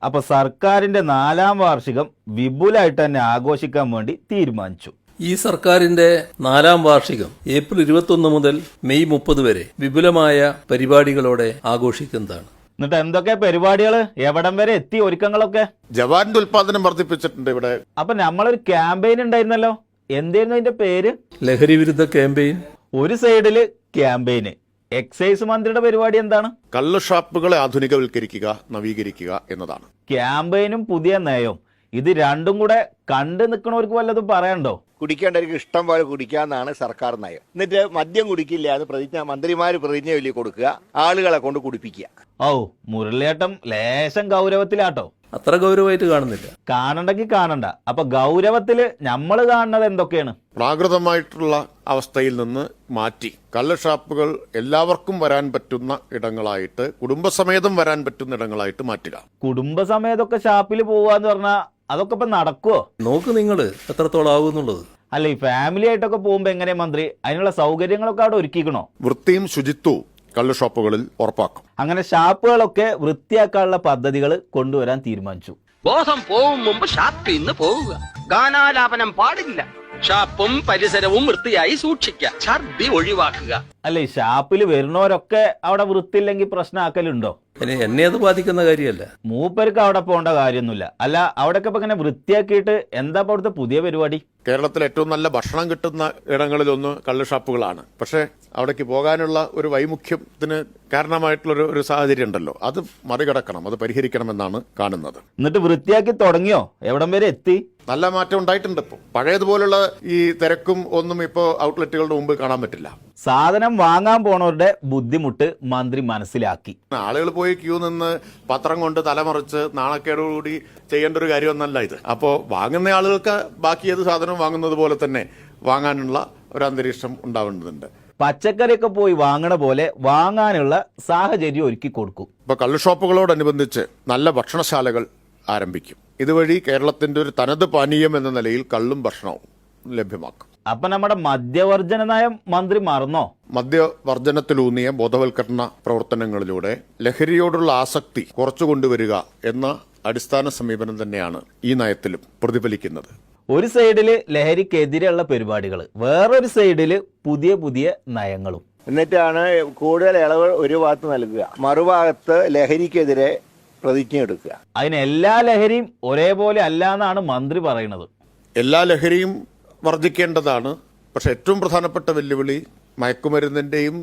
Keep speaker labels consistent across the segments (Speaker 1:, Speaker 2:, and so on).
Speaker 1: അപ്പൊ സർക്കാരിന്റെ 4ാം വാർഷികം വിപുലമായിട്ട് തന്നെ ആഘോഷിക്കാൻ വേണ്ടി തീരുമാനിച്ചു.
Speaker 2: ഈ സർക്കാരിന്റെ 4ാം വാർഷികം ഏപ്രിൽ 21 മുതൽ മെയ് 30 വരെ വിപുലമായ പരിപാടികളോടെ ആഘോഷിക്കുന്നതാണ്.
Speaker 1: എന്നിട്ട് എന്തൊക്കെ പരിപാടികൾ, എവിടം വരെ എത്തി ഒരുക്കങ്ങളൊക്കെ?
Speaker 3: ജവാന്റെ ഉൽപാദനം വർദ്ധിപ്പിച്ചിട്ടുണ്ട് ഇവിടെ.
Speaker 1: അപ്പൊ നമ്മളൊരു ക്യാമ്പയിൻ ഉണ്ടായിരുന്നല്ലോ, എന്തായിരുന്നു അതിന്റെ പേര്?
Speaker 2: ലഹരി വിരുദ്ധ ക്യാമ്പയിൻ.
Speaker 1: ഒരു സൈഡില് ക്യാമ്പയിന്, എക്സൈസ് മന്ത്രിയുടെ പരിപാടി എന്താണ്?
Speaker 3: കള്ള് ഷാപ്പുകളെ ആധുനികവൽക്കരിക്കുക, നവീകരിക്കുക എന്നതാണ്.
Speaker 1: ക്യാമ്പയിനും പുതിയ നയവും, ഇത് രണ്ടും കൂടെ കണ്ടു നിൽക്കണവർക്ക് വല്ലതും പറയാനുണ്ടോ?
Speaker 4: കുടിക്കേണ്ടവർക്ക് ഇഷ്ടം പോലെ കുടിക്കാന്നാണ് സർക്കാർ നയം. എന്നിട്ട് മദ്യം കുടിക്കില്ല എന്ന് മന്ത്രിമാര് പ്രതിജ്ഞ ചൊല്ലി കൊടുക്കുക, ആളുകളെ കൊണ്ട് കുടിപ്പിക്കുക.
Speaker 1: ഓ, മുരളിയേട്ടം ലേശം ഗൗരവത്തിലാട്ടോ.
Speaker 2: അത്ര ഗൗരവമായിട്ട് കാണുന്നില്ല.
Speaker 1: കാണണ്ടെങ്കിൽ കാണണ്ട. അപ്പൊ ഗൗരവത്തില് നമ്മൾ കാണുന്നത് എന്തൊക്കെയാണ്?
Speaker 3: പ്രാകൃതമായിട്ടുള്ള അവസ്ഥയിൽ നിന്ന് മാറ്റി കള്ള് ഷാപ്പുകൾ എല്ലാവർക്കും വരാൻ പറ്റുന്ന ഇടങ്ങളായിട്ട്, കുടുംബസമേതം വരാൻ പറ്റുന്ന ഇടങ്ങളായിട്ട് മാറ്റുക.
Speaker 1: കുടുംബസമേതൊക്കെ ഷാപ്പിൽ പോവാന്ന് പറഞ്ഞാൽ അതൊക്കെ ഇപ്പൊ നടക്കുവോ?
Speaker 2: നോക്ക് നിങ്ങള് എത്രത്തോളം ആവുന്നുള്ളത്.
Speaker 1: അല്ല, ഈ ഫാമിലി ആയിട്ടൊക്കെ പോകുമ്പോ എങ്ങനെയാ മന്ത്രി അതിനുള്ള സൗകര്യങ്ങളൊക്കെ അവിടെ ഒരുക്കിക്കണോ?
Speaker 3: വൃത്തിയും ശുചിത്വവും കള്ള് ഷോപ്പുകളിൽ ഉറപ്പാക്കും.
Speaker 1: അങ്ങനെ ഷാപ്പുകളൊക്കെ വൃത്തിയാക്കാനുള്ള പദ്ധതികൾ കൊണ്ടുവരാൻ തീരുമാനിച്ചു.
Speaker 5: ബോധം പോവും മുമ്പ് ഷാപ്പിൽ നിന്ന് പോവുക. ഗാനാലാപനം പാടില്ല. ഷാപ്പും പരിസരവും വൃത്തിയായി സൂക്ഷിക്കുക. ഛർദി ഒഴിവാക്കുക.
Speaker 1: അല്ല, ഈ ഷാപ്പിൽ വരുന്നവരൊക്കെ അവിടെ വൃത്തിയില്ലെങ്കിൽ പ്രശ്നമാക്കലുണ്ടോ?
Speaker 2: എന്നെ അത് ബാധിക്കുന്ന കാര്യമല്ല.
Speaker 1: മൂപ്പർക്ക് അവിടെ പോകേണ്ട കാര്യമൊന്നുമില്ല. അല്ല, അവിടെയൊക്കെ ഇപ്പൊ ഇങ്ങനെ വൃത്തിയാക്കിയിട്ട് എന്താ അവിടുത്തെ പുതിയ പരിപാടി?
Speaker 3: കേരളത്തിൽ ഏറ്റവും നല്ല ഭക്ഷണം കിട്ടുന്ന ഇടങ്ങളിലൊന്ന് കള്ള് ഷാപ്പുകളാണ്. പക്ഷേ അവിടേക്ക് പോകാനുള്ള ഒരു വൈമുഖ്യത്തിന് കാരണമായിട്ടുള്ള ഒരു സാഹചര്യം ഉണ്ടല്ലോ, അത് മറികടക്കണം, അത് പരിഹരിക്കണമെന്നാണ് കാണുന്നത്.
Speaker 1: എന്നിട്ട് വൃത്തിയാക്കി തുടങ്ങിയോ? എവിടം വരെ എത്തി?
Speaker 3: നല്ല മാറ്റം ഉണ്ടായിട്ടുണ്ട്. ഇപ്പോൾ പഴയതുപോലുള്ള ഈ തിരക്കും ഒന്നും ഇപ്പോൾ ഔട്ട്ലെറ്റുകളുടെ മുമ്പ് കാണാൻ പറ്റില്ല.
Speaker 1: സാധനം വാങ്ങാൻ പോണവരുടെ ബുദ്ധിമുട്ട് മന്ത്രി മനസ്സിലാക്കി.
Speaker 3: ആളുകൾ പോയി ക്യൂ നിന്ന് പത്രം കൊണ്ട് തലമറിച്ച് നാണക്കേടോടുകൂടി ചെയ്യേണ്ട ഒരു കാര്യമൊന്നല്ല ഇത്. അപ്പോൾ വാങ്ങുന്ന ആളുകൾക്ക് ബാക്കി ഏത് സാധനവും വാങ്ങുന്നത് പോലെ തന്നെ വാങ്ങാനുള്ള ഒരു അന്തരീക്ഷം ഉണ്ടാവേണ്ടതുണ്ട്.
Speaker 1: പച്ചക്കറിയൊക്കെ പോയി വാങ്ങണ പോലെ വാങ്ങാനുള്ള സാഹചര്യം ഒരുക്കി കൊടുക്കും.
Speaker 3: ഇപ്പോൾ കള്ള് ഷോപ്പുകളോടനുബന്ധിച്ച് നല്ല ഭക്ഷണശാലകൾ ആരംഭിക്കും. ഇതുവഴി കേരളത്തിന്റെ ഒരു തനത് പാനീയം എന്ന നിലയിൽ കള്ളും ഭക്ഷണവും ലഭ്യമാക്കും.
Speaker 1: അപ്പൊ നമ്മുടെ മദ്യവർജന നയം മന്ത്രി മറന്നോ?
Speaker 3: മദ്യവർജനത്തിലൂന്നിയ ബോധവൽക്കരണ പ്രവർത്തനങ്ങളിലൂടെ ലഹരിയോടുള്ള ആസക്തി കുറച്ചു കൊണ്ടുവരിക എന്ന അടിസ്ഥാന സമീപനം തന്നെയാണ് ഈ നയത്തിലും പ്രതിഫലിക്കുന്നത്.
Speaker 1: ഒരു സൈഡില് ലഹരിക്കെതിരെയുള്ള പരിപാടികൾ, വേറൊരു സൈഡില് പുതിയ പുതിയ നയങ്ങളും.
Speaker 4: എന്നിട്ടാണ് കൂടുതൽ ഇളവ് ഒരു ഭാഗത്ത് നൽകുക, മറുഭാഗത്ത് ലഹരിക്കെതിരെ പ്രതിജ്ഞ എടുക്കുക.
Speaker 1: അതിന് എല്ലാ ലഹരിയും ഒരേപോലെ അല്ല എന്നാണ് മന്ത്രി പറയുന്നത്.
Speaker 3: എല്ലാ ലഹരിയും വർദ്ധിക്കേണ്ടതാണ്. പക്ഷെ ഏറ്റവും പ്രധാനപ്പെട്ട വെല്ലുവിളി മയക്കുമരുന്നിന്റെയും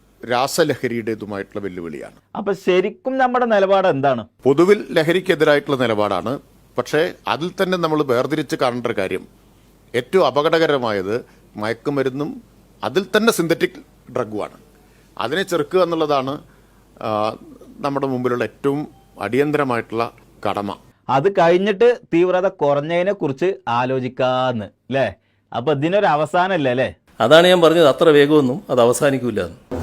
Speaker 3: രാസലഹരിയുടേതുമായിട്ടുള്ള വെല്ലുവിളിയാണ്.
Speaker 1: അപ്പൊ ശരിക്കും നമ്മുടെ നിലപാട് എന്താണ്?
Speaker 3: പൊതുവിൽ ലഹരിക്കെതിരായിട്ടുള്ള നിലപാടാണ്. പക്ഷേ അതിൽ തന്നെ നമ്മൾ വേർതിരിച്ച് കാണേണ്ട ഒരു കാര്യം, ഏറ്റവും അപകടകരമായത് മയക്കുമരുന്നും അതിൽ തന്നെ സിന്തറ്റിക് ഡ്രഗുമാണ്. അതിനെ ചെറുക്കുക എന്നുള്ളതാണ് നമ്മുടെ മുമ്പിലുള്ള ഏറ്റവും അടിയന്തരമായിട്ടുള്ള കടമ.
Speaker 1: അത് കഴിഞ്ഞിട്ട് തീവ്രത കുറഞ്ഞതിനെ കുറിച്ച് ആലോചിക്കാന്ന്, അല്ലേ? അപ്പൊ ഇതിനൊരു അവസാനമല്ലേ?
Speaker 2: അതാണ് ഞാൻ പറഞ്ഞത്, അത്ര വേഗമൊന്നും അത് അവസാനിക്കൂല.